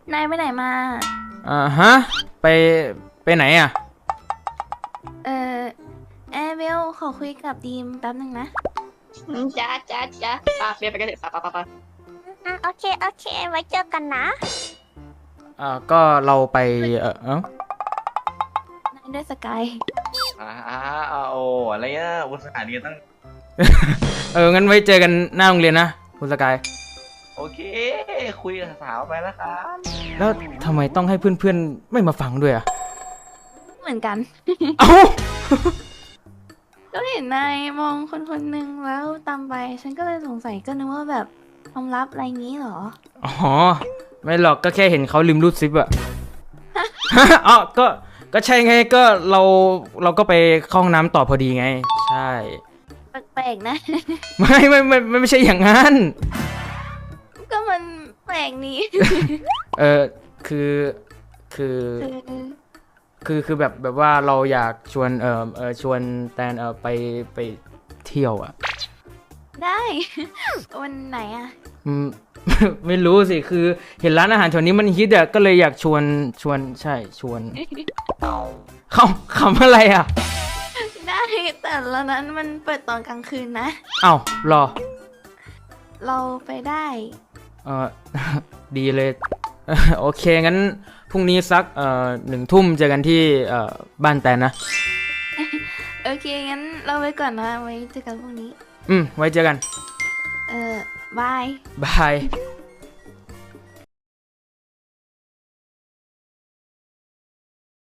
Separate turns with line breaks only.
นายไปไหนมา
ฮะไปไปไหนอ่ะ
เออแอร์เบลขอคุยกับดีมแป๊บนึงนะ
จ้าป่ะเบียร์ไปกันเถอะป่ะ
โอเคโอเคไว้เจอกันนะ
ก็เราไป
นายด้วยสกาย
อ่าโอ้อะไรเงี้ยอุตส่าห์เรียนตั้ง
งั้นไว้เจอกันหน้าโรงเรียนนะคุณสกาย
โอเคคุยกับสาวไปแล้วครับ
แล้วทำไมต้องให้เพื่อนๆไม่มาฟังด้วยอ่ะ
เหมือนกัน
เอ้า
ก็เห็นนายมองคนคนหนึ่งแล้วตามไป ฉันก็เลยสงสัยก็นึกว่าแบบความลับอะไรงี้เหรอ
อ๋อไม่หรอกก็แค่เห็นเขาลืมรูดซิปอะ อ๋อก็ใช่ไงก็เราก็ไปเข้าห้องน้ำต่อพอดีไงใช่
แปลกๆนะ
ไม่ใช่อย่างนั้น
ก็มันแปลกนี้
เออคือคือ
คือ
คือแบบว่าเราอยากชวนชวนแตนไปเที่ยวอ่ะ
ได้ วันไหนอะ
อืม ไม่รู้สิคือเห็นร้านอาหารแถวนี้มันฮิตอ่ะก็เลยอยากชวนใช่ชวน เขาขำอะไรอ่ะ
ได้แต่ละนั้นมันเปิดตอนกลางคืนนะ
เอ้ารอ
เราไปได้
เออ ดีเลย โอเคงั้นพรุ่งนี้สัก1 ทุ่มเจอกันที่บ้านแตนนะ
โอเคงั้นเราไปก่อนนะไว้เจอกันพรุ่งนี้
ไว้เจอกัน
บาย
บาย